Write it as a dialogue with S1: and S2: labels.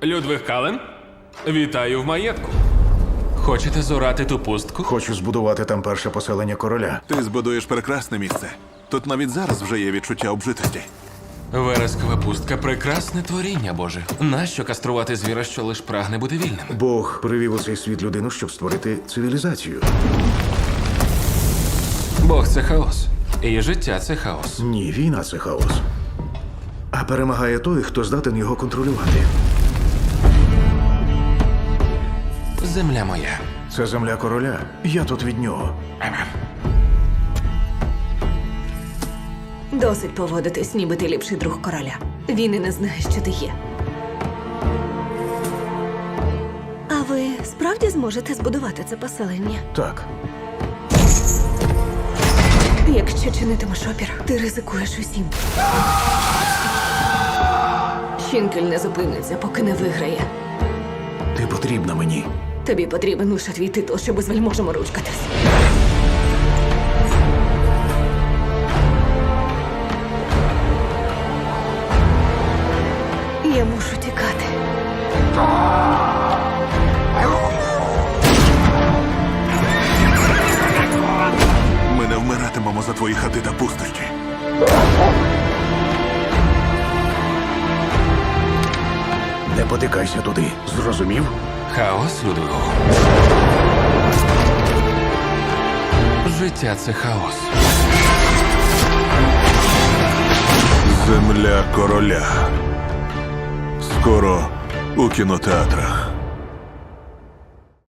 S1: Людвиг Кален, вітаю в маєтку. Хочете зорати ту пустку?
S2: Хочу збудувати там перше поселення короля.
S3: Ти збудуєш прекрасне місце. Тут навіть зараз вже є відчуття обжитості.
S1: Верескова пустка – прекрасне творіння, Боже. Нащо каструвати звіра, що лиш прагне бути вільним?
S2: Бог привів у цей світ людину, щоб створити цивілізацію.
S1: Бог – це хаос. І життя – це хаос.
S2: Ні, війна це хаос. А перемагає той, хто здатен його контролювати.
S1: Земля моя.
S2: Це земля короля. Я тут від нього.
S4: Досить поводитись, ніби ти ліпший друг короля. Він і не знає, що ти є. А ви справді зможете збудувати це поселення?
S2: Так,
S4: Якщо чинитимеш опір, ти ризикуєш усім. Щінкель не зупиниться, поки не виграє.
S2: ти потрібна мені.
S4: Тобі потрібен лише твій титул, щоб з вельможами ручкатись. Я мушу тікати.
S3: Ми не вмиратимемо за твої хати та пустощі.
S2: Не потикайся туди. Зрозумів?
S1: Хаос, Людвигу. Життя – це хаос.
S3: Земля короля. Скоро у кінотеатрах.